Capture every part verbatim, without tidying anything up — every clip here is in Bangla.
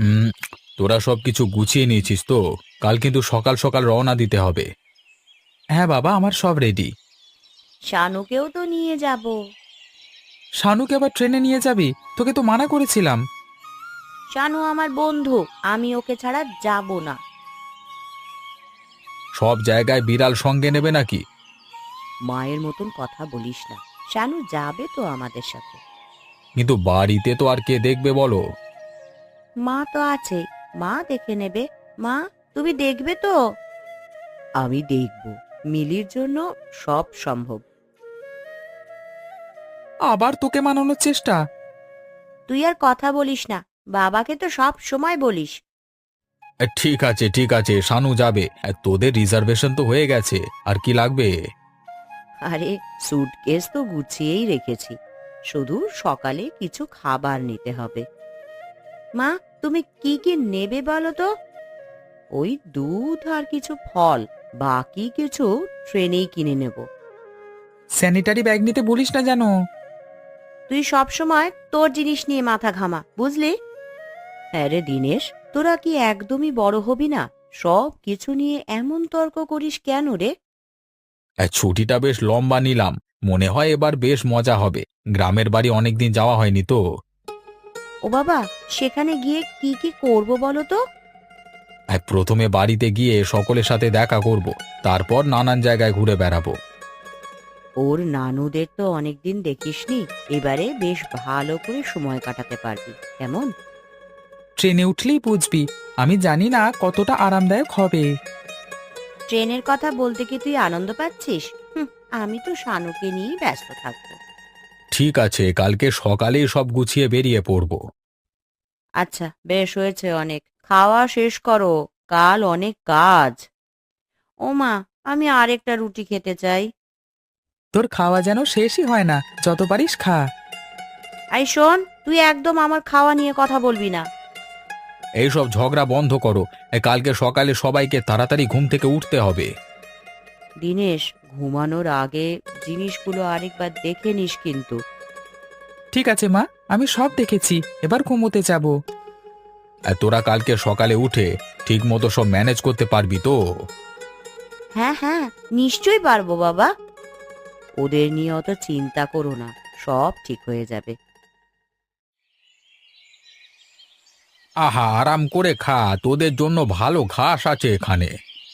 উম, তোরা সব কিছু গুছিয়ে নিয়েছিস তো? কাল কিন্তু সকাল সকাল রওনা দিতে হবে। হ্যাঁ বাবা, আমার সব রেডি। শানুকেও তো নিয়ে যাব। শানুকে আবার ট্রেনে নিয়ে যাবি? তোকে তো মানা করেছিলাম। শানু আমার বন্ধু, আমি ওকে ছাড়া যাব না। সব জায়গায় বিড়াল সঙ্গে নেবে নাকি? মায়ের মতন কথা বলিস না। শানু যাবে তো আমাদের সাথে। কিন্তু বাড়িতে তো আর কে দেখবে বলো? মা তো আছে, মা দেখে নেবে। মা, তুমি দেখবে তো? আমি দেখব। মিলির জন্য সব সম্ভব। আবার তোকে মানানোর চেষ্টা? তুই আর কথা বলিস না, বাবাকে তো সব সময় বলিস। এ, ঠিক আছে ঠিক আছে, শানু যাবে। এ, তোদের রিজার্ভেশন তো হয়ে গেছে, আর কি লাগবে? আরে, সুটকেস তো গুছিয়েই রেখেছি, শুধু সকালে কিছু খাবার নিতে হবে। মা, তুমি কি কি নেবে বলো তো? ওই দুধ আর কিছু ফল, বাকি কিছু ট্রেনেই কিনে নেব। স্যানিটারি ব্যাগ নিতে বলিস না যেন। তুই সব সময় তোর জিনিস নিয়ে মাথা ঘামা, বুঝলি? হ্যাঁ রে দিনেশ, তোরা কি একদমই বড় হবি না? সব কিছু নিয়ে এমন তর্ক করিস কেন রে? এ, ছুটিটা বেশ লম্বা নিলাম, মনে হয় এবার বেশ মজা হবে। গ্রামের বাড়ি অনেকদিন যাওয়া হয়নি তো। ও বাবা, সেখানে গিয়ে কি কি করব বলো তো? এ, প্রথমে বাড়িতে গিয়ে সকলের সাথে দেখা করব, তারপর নানান জায়গায় ঘুরে বেড়াবো। ওর নানুদের তো অনেকদিন দেখিসনি, এবারে বেশ ভালো করে সময় কাটাতে পারবি, কেমন? ট্রেনে উঠলেই বুঝবি, আমি জানি না কতটা আরামদায়ক হবে। ট্রেনের কথা বলতে কি তুই আনন্দ পাচ্ছিস? হুঁ, আমি তো শানুকে নিয়েই ব্যস্ত থাকবো। ঠিক আছে, কালকে সকালেই সব গুছিয়ে বেরিয়ে পড়ব। আচ্ছা, বেশ হয়েছে অনেক, খাওয়া শেষ করো, কাল অনেক কাজ। ও মা, আমি আরেকটা রুটি খেতে চাই। তোর খাওয়া যেন শেষই হয় না, যত পারিস খা। আই শোন, তুই একদম আমার খাওয়া নিয়ে কথা বলবি না। এইসব ঝগড়া বন্ধ করো। এ, কালকে সকালে সবাইকে তাড়াতাড়ি ঘুম থেকে উঠতে হবে। দিনেশ, ঘুমানোর আগে জিনিসগুলো আরেকবার দেখে নিস কিন্তু। ঠিক আছে মা, আমি সব দেখেছি, এবার ঘুমোতে যাব। আর তোরা কালকে সকালে উঠে ঠিক মতো সব ম্যানেজ করতে পারবি তো? হ্যাঁ হ্যাঁ, নিশ্চয়ই পারবো বাবা। ওদের নিয়ে অত চিন্তা করো না, সব ঠিক হয়ে যাবে। আহা, আরাম করে খা, তোদের জন্য ভালো ঘাস আছে এখানে।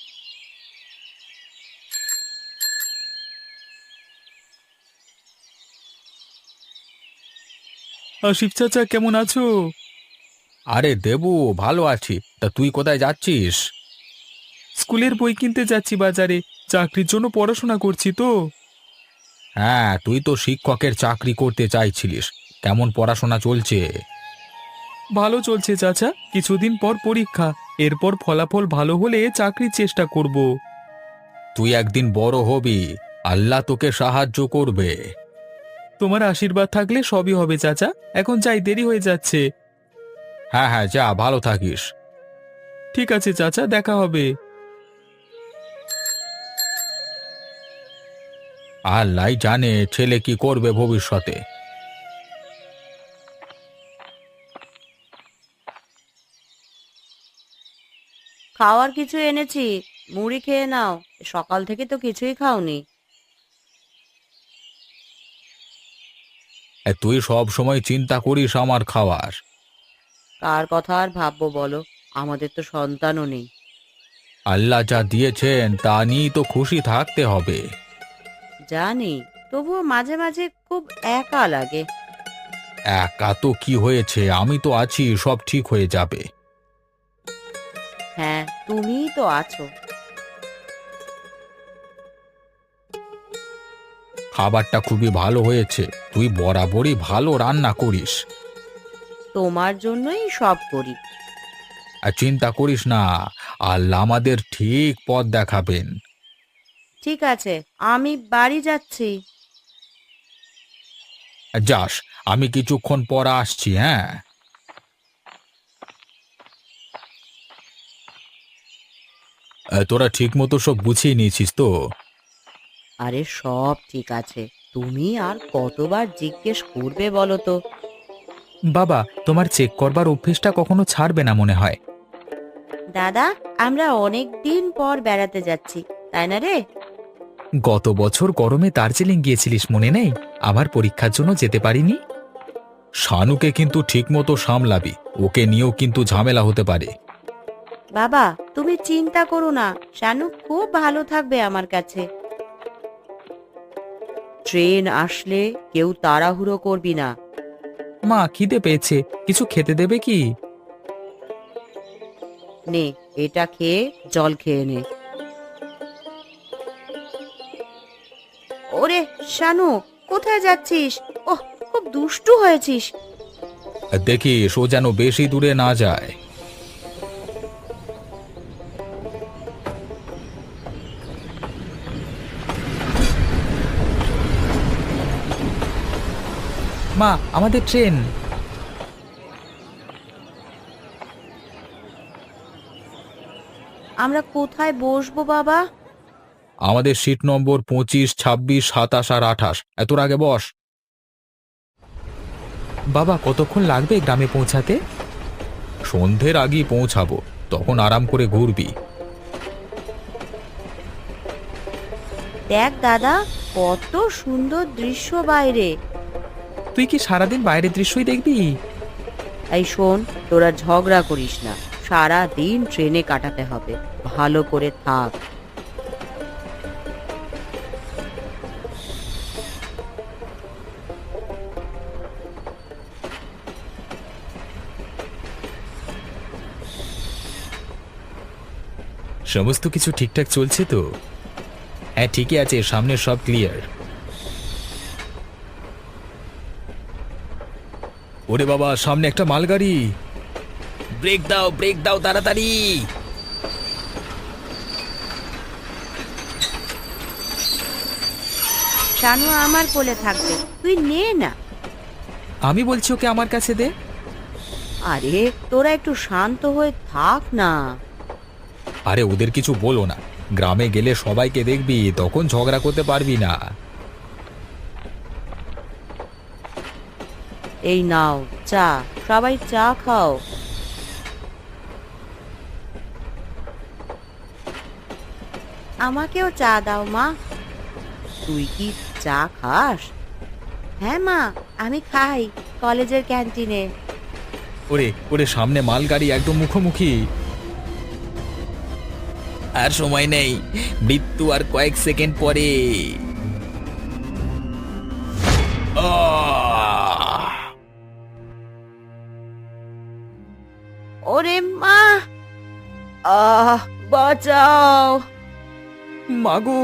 শিব চাচা, কেমন আছো? আরে দেবু, ভালো আছি। তা তুই কোথায় যাচ্ছিস? স্কুলের বই কিনতে যাচ্ছি বাজারে, চাকরির জন্য পড়াশোনা করছি তো। হ্যাঁ, তুই তো শিক্ষকের চাকরি করতে চাইছিলিস। কেমন পড়াশোনা চলছে? ভালো চলছে চাচা, কিছুদিন পর পরীক্ষা, এরপর ফলাফল ভালো হলে চাকরির চেষ্টা করব। তুই একদিন বড় হবি, আল্লাহ তোকে সাহায্য করবে। তোমার আশীর্বাদ থাকলে সবই হবে চাচা, এখন যাই, দেরি হয়ে যাচ্ছে। হ্যাঁ হ্যাঁ, যা, ভালো থাকিস। ঠিক আছে চাচা, দেখা হবে। আল্লাহ জানে ছেলে কি করবে ভবিষ্যতে। খাওয়ার কিছু এনেছি, মুড়ি খেয়ে নাও। সকাল থেকে তো কিছুই খাওনি। এ, তুই সব সময় চিন্তা করিস আমার খাওয়ার। কার কথা আর ভাববো বলো, আমাদের তো সন্তানও নেই। আল্লাহ যা দিয়েছেন তা নিয়েই তো খুশি থাকতে হবে। জানি, তবুও মাঝে মাঝে খুব একা লাগে। একা তো কি হয়েছে, আমি তো আছি, সব ঠিক হয়ে যাবে। হ্যাঁ, তুমিই তো আছো। খাবারটা খুবই ভালো হয়েছে, তুই বরাবরই ভালো রান্না করিস। তোমার জন্যই সব করি। আর চিন্তা করিস না, আল্লাহ আমাদের ঠিক পথ দেখাবেন। ঠিক আছে, আমি বাড়ি যাচ্ছি। যাস, আমি কিছুক্ষণ পর আসছি, হ্যাঁ। এ, তোরা ঠিক মতো সব গুছিয়ে নিয়েছিস তো? আরে সব ঠিক আছে, তুমি আর কতবার জিজ্ঞেস করবে বলো তো? বাবা, তোমার চেক করবার অভ্যেসটা কখনো ছাড়বে না মনে হয়। দাদা, আমরা অনেক দিন পর বেড়াতে যাচ্ছি, তাই না রে? গত বছর গরমে দার্জিলিং গিয়েছিলিস মনে নেই? আমার পরীক্ষার জন্য যেতে পারিনি। শানুকে কিন্তু ঠিকমতো সামলাবি, ওকে নিয়েও কিন্তু ঝামেলা হতে পারে। বাবা, তুমি চিন্তা করো না, শানু খুব ভালো থাকবে আমার কাছে। ট্রেন আসলে কেউ তাড়াহুড়ো করবি না। মা, খিদে পেয়েছে, কিছু খেতে দেবে কি? নে, এটা খেয়ে জল খেয়ে নে। ওরে শানু, কোথায় যাচ্ছিস? ওহ, খুব দুষ্টু হয়েছিস। দেখিস ও যেন বেশি দূরে না যায়। মা, আমাদের ট্রেন। আমরা কোথায় বসবো বাবা? আমাদের সিট নম্বর পঁচিশ, ছাব্বিশ, সাতাশ আর আঠাশ। এত আগে বস। বাবা, কতক্ষণ লাগবে গ্রামে পৌঁছাতে? সন্ধ্যের আগেই পৌঁছাবো, তখন আরাম করে ঘুরবি। দেখ দাদা, কত সুন্দর দৃশ্য বাইরে। তুই কি সারাদিন বাইরের দৃশ্যই দেখবি? এই শোন, তোরা ঝগড়া করিস না, সারা দিন ট্রেনে কাটাতে হবে, ভালো করে থাক। সমস্ত কিছু ঠিকঠাক চলছে তো? হ্যাঁ, ঠিকই আছে, সামনে সব ক্লিয়ার। ওরে বাবা, সামনে একটা মালগাড়ি। ব্রেক দাও, ব্রেক দাও তাড়াতাড়ি। শানু আমার কোলে থাকবে, তুই নে না। আমি বলছি ওকে আমার কাছে দে। আরে তোরা একটু শান্ত হয়ে থাক না। আরে ওদের কিছু বলো না, গ্রামে গেলে সবাইকে দেখবি, তখন ঝগড়া করতে পারবি না। এই নাও চা, সবাই চা খাও। আমাকেও চা দাও মা। তুই কি চা খাস? হ্যাঁ মা, আমি খাই কলেজের ক্যান্টিনে। ওরে ওরে, সামনে মালগাড়ি একদম মুখোমুখি। আর সময় নেই, মৃত্যু আর কয়েক সেকেন্ড পরে। আহ! ওরে মা, আহ বাঁচাও। মাগো!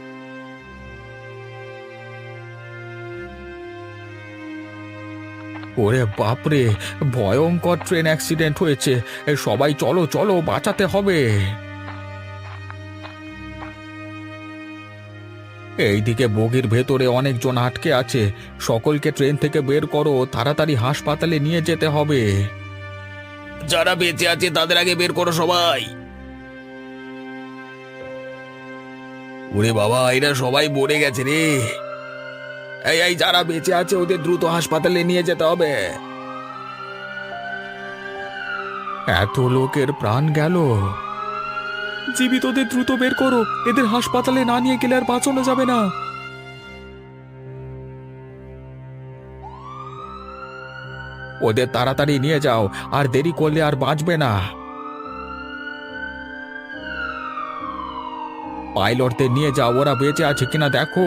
ওরে বাপরে, ভয়ঙ্কর ট্রেন অ্যাক্সিডেন্ট হয়েছে। এ, সবাই চলো চলো, বাঁচাতে হবে। এইদিকে বগির ভেতরে অনেকজন আটকে আছে, সকলকে ট্রেন থেকে বের করো, তাড়াতাড়ি হাসপাতালে নিয়ে যেতে হবে। যারা বেঁচে আছে তাদের আগে বের করো সবাই। ওরে বাবা, এরা সবাই মরে গেছে রে। এই এই যারা বেঁচে আছে ওদের দ্রুত হাসপাতালে নিয়ে যেতে হবে। এত লোকের প্রাণ গেল। জীবিতদের দ্রুত বের করো, এদের হাসপাতালে না নিয়ে গেলে আর বাঁচানো যাবে না। ওদের তাড়াতাড়ি নিয়ে যাও, আর দেরি করলে আর বাঁচবে না। পাইলটদের নিয়ে যাও, ওরা বেঁচে আছে কিনা দেখো।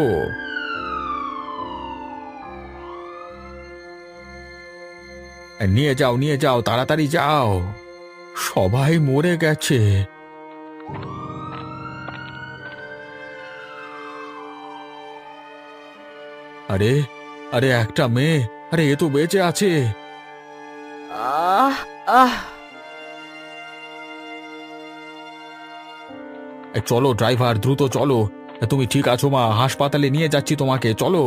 নিয়ে যাও নিয়ে যাও, তাড়াতাড়ি যাও। সবাই মরে গেছে। আরে আরে, একটা মেয়ে, আরে এ তো বেঁচে আছে। আহ আহ এ, চলো ড্রাইভার, দ্রুত চলো। এ, তুমি ঠিক আছো মা? হাসপাতালে নিয়ে যাচ্ছি তোমাকে, চলো।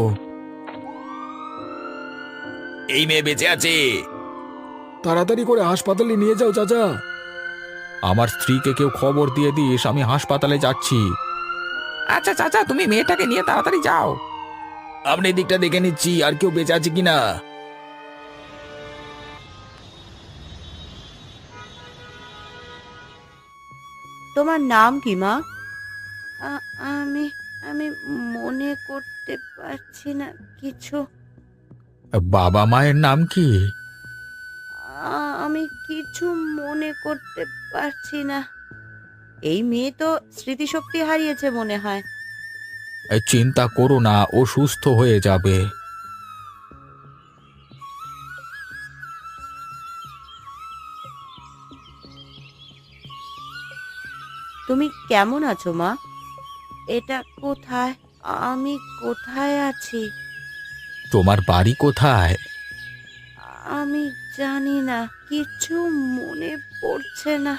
এই মেয়ে বেঁচে আছে। তাড়াতাড়ি করে হাসপাতালে নিয়ে যাও চাচা। আমার স্ত্রীকে কেউ খবর দিয়ে দিস, আমি হাসপাতালে যাচ্ছি। আচ্ছা চাচা, তুমি মেয়েটাকে নিয়ে তাড়াতাড়ি যাও। আপনি দিকটা দেখে নিচ্ছি আর কেউ বেঁচে আছে কিনা। তোমার নাম কি মা? আ- আমি আমি মনে করতে পারছি না কিছু। বাবা মায়ের নাম কি? আ- আমি কিছু মনে করতে পারছি না। এই মেয়ে তো স্মৃতিশক্তি হারিয়েছে মনে হয়। এ, চিন্তা করো না, ও সুস্থ হয়ে যাবে। তুমি কেমন আছো মা? এটা কোথায়? আমি কোথায় আছি? তোমার বাড়ি কোথায়? আমি জানি না, কিছু মনে পড়ছে না।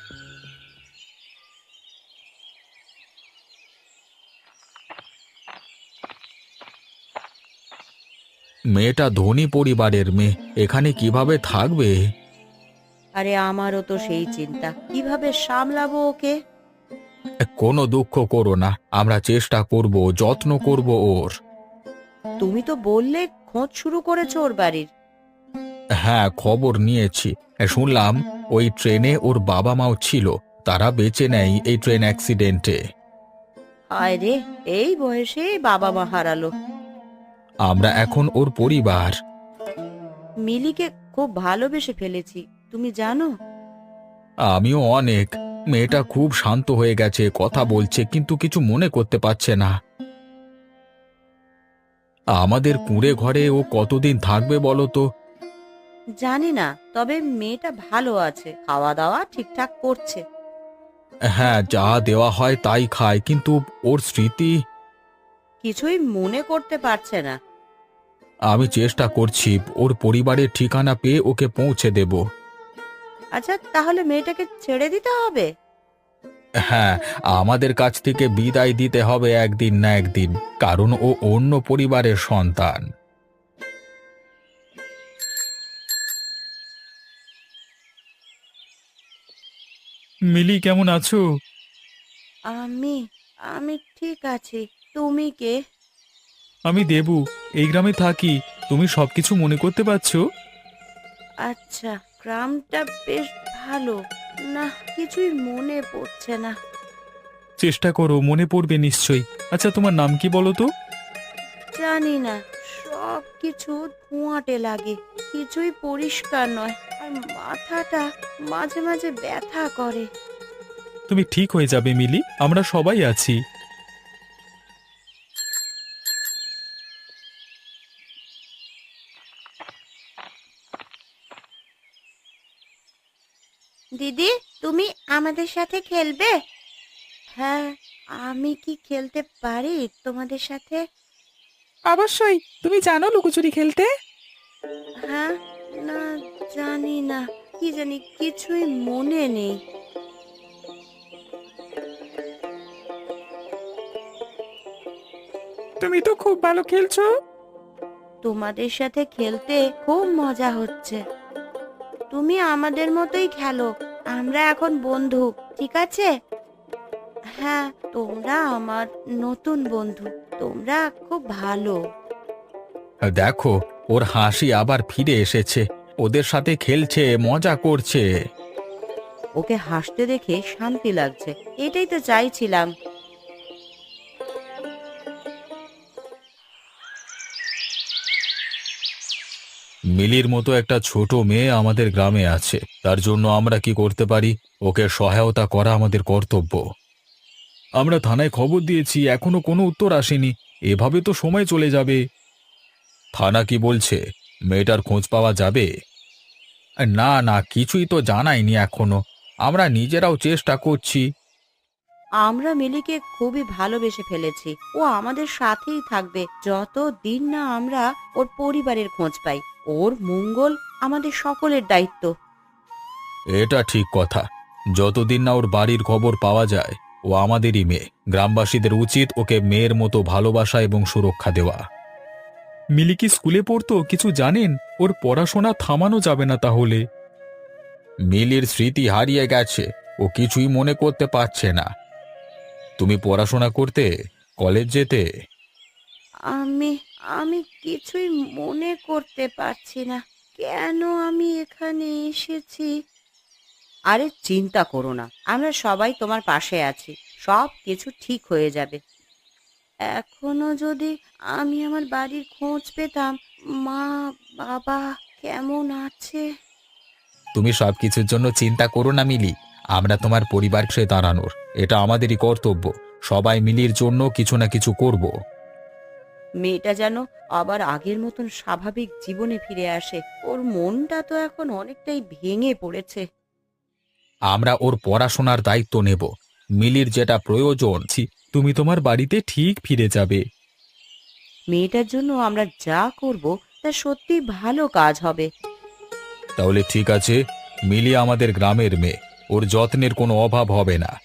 মেয়েটা ধনী পরিবারের মেয়ে, এখানে কিভাবে থাকবে? আরে আমারও তো সেই চিন্তা, কিভাবে সামলাবো ওকে। এ, কোনো দুঃখ করো না, আমরা চেষ্টা করব, যত্ন করব ওর। তুমি তো বললে খোঁজ শুরু করেছো ওর বাড়ির। হ্যাঁ, খবর নিয়েছি। এ, শুনলাম ওই ট্রেনে ওর বাবা মাও ছিল, তারা বেঁচে নেয় এই ট্রেন অ্যাক্সিডেন্টে। হায় রে, এই বয়সে বাবা মা হারালো। আমরা এখন ওর পরিবার। মিলিকে খুব ভালোবেসে ফেলেছি, তুমি জানো। আমিও অনেক। মেয়েটা খুব শান্ত হয়ে গেছে, কথা বলছে কিন্তু কিছু মনে করতে পারছে না। আমাদের কুঁড়ে ঘরে ও কতদিন থাকবে বলো তো? জানি না, তবে মেয়েটা ভালো আছে, খাওয়া দাওয়া ঠিকঠাক করছে। হ্যাঁ, যা দেওয়া হয় তাই খায়, কিন্তু ওর স্মৃতি। কিছুই মনে করতে পারছে না। আমি চেষ্টা করছি, ওর পরিবারের ঠিকানা পেয়ে ওকে পৌঁছে দেব। আচ্ছা, তাহলে মেয়েটাকে ছেড়ে দিতে হবে? হ্যাঁ, আমাদের কাছ থেকে বিদায় দিতে হবে একদিন না একদিন, কারণ ও অন্য পরিবারের সন্তান। মিলি, কেমন আছো? আমি আমি ঠিক আছি। তুমি কে? আমি দেবু, এই গ্রামে থাকি। তুমি সবকিছু মনে করতে পারছো? আচ্ছা, গ্রামটা বেশ ভালো। না, কিছুই মনে পড়ছে না। চেষ্টা করো, মনে পড়বে নিশ্চয়ই। আচ্ছা, তোমার নাম কি বলো তো? জানি না, সব কিছু ধোঁয়াটে লাগে, কিছুই পরিষ্কার নয়। আর মাথাটা মাঝে মাঝে ব্যথা করে। তুমি ঠিক হয়ে যাবে মিলি, আমরা সবাই আছি। দিদি, তুমি আমাদের সাথে খেলবে? হ্যাঁ, আমি কি খেলতে পারি তোমাদের সাথে? অবশ্যই। তুমি জানো লুকোচুরি খেলতে? হ্যাঁ, না, জানি না, কি জানি, কিছুই মনে নেই। তুমি তো খুব ভালো খেলছো। তোমাদের সাথে খেলতে খুব মজা হচ্ছে। তুমি আমাদের মতোই খেলো, আমরা এখন বন্ধু, ঠিক আছে? হ্যাঁ, তোমরা আমার নতুন বন্ধু, তোমরা খুব ভালো। দেখো, ওর হাসি আবার ফিরে এসেছে, ওদের সাথে খেলছে, মজা করছে। ওকে হাসতে দেখে শান্তি লাগছে, এটাই তো চাইছিলাম। মিলির মতো একটা ছোট মেয়ে আমাদের গ্রামে আছে, তার জন্য আমরা কি করতে পারি? ওকে সহায়তা করা আমাদের কর্তব্য। আমরা থানায় খবর দিয়েছি, এখনো কোনো উত্তর আসেনি। এভাবে তো সময় চলে যাবে। থানা কি বলছে? মেয়েটার খোঁজ পাওয়া যাবে? না না, কিছুই তো জানায়নি এখনো। আমরা নিজেরাও চেষ্টা করছি। আমরা মিলিকে খুবই ভালোবেসে ফেলেছি, ও আমাদের সাথেই থাকবে যত দিন না আমরা ওর পরিবারের খোঁজ পাই। ওর মঙ্গল আমাদের সকলের দায়িত্ব। এটা ঠিক কথা। যতদিন না ওর বাড়ির খবর পাওয়া যায়, ও আমাদেরই মেয়ে। গ্রামবাসীদের উচিত ওকে মেয়ের মতো ভালোবাসা এবং সুরক্ষা দেওয়া। মিলি কি স্কুলে পড়তো, কিছু জানেন? ওর পড়াশোনা থামানো যাবে না তাহলে। মিলির স্মৃতি হারিয়ে গেছে, ও কিছুই মনে করতে পারছে না। তুমি পড়াশোনা করতে, কলেজ যেতে। আমি আমি কিছুই মনে করতে পারছি না, কেন আমি এখানে এসেছি। আরে চিন্তা করো না, আমরা সবাই তোমার পাশে আছি, সব কিছু ঠিক হয়ে যাবে। এখনো যদি আমি আমার বাড়ির খোঁজ পেতাম, মা বাবা কেমন আছে। তুমি সবকিছুর জন্য চিন্তা করো না মিলি, আমরা তোমার পরিবারকে দাঁড়ানোর এটা আমাদেরই কর্তব্য। সবাই মিলির জন্য কিছু না কিছু করব। মেয়েটা যেন আবার আগের মতন স্বাভাবিক জীবনে ফিরে আসে। ওর মনটা তো এখন অনেকটাই ভেঙে পড়েছে। আমরা ওর পড়াশোনার দায়িত্ব নেব। মিলির যেটা প্রয়োজন, ছি, তুমি তোমার বাড়িতে ঠিক ফিরে যাবে। মেয়েটার জন্য আমরা যা করব তা সত্যি ভালো কাজ হবে। তাহলে ঠিক আছে, মিলি আমাদের গ্রামের মেয়ে, ওর যত্নের কোনো অভাব হবে না।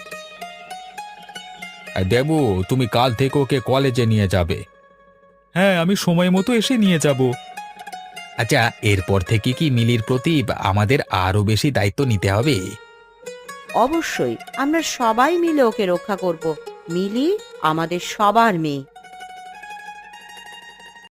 আর দেবু, তুমি কাল থেকে ওকে কলেজে নিয়ে যাবে। হ্যাঁ, আমি সময় মতো এসে নিয়ে যাব। আচ্ছা, এরপর থেকে কি মিলির প্রতি আমাদের আরো বেশি দায়িত্ব নিতে হবে? অবশ্যই আমরা সবাই মিলে ওকে রক্ষা করব। মিলি আমাদের সবার মেয়ে।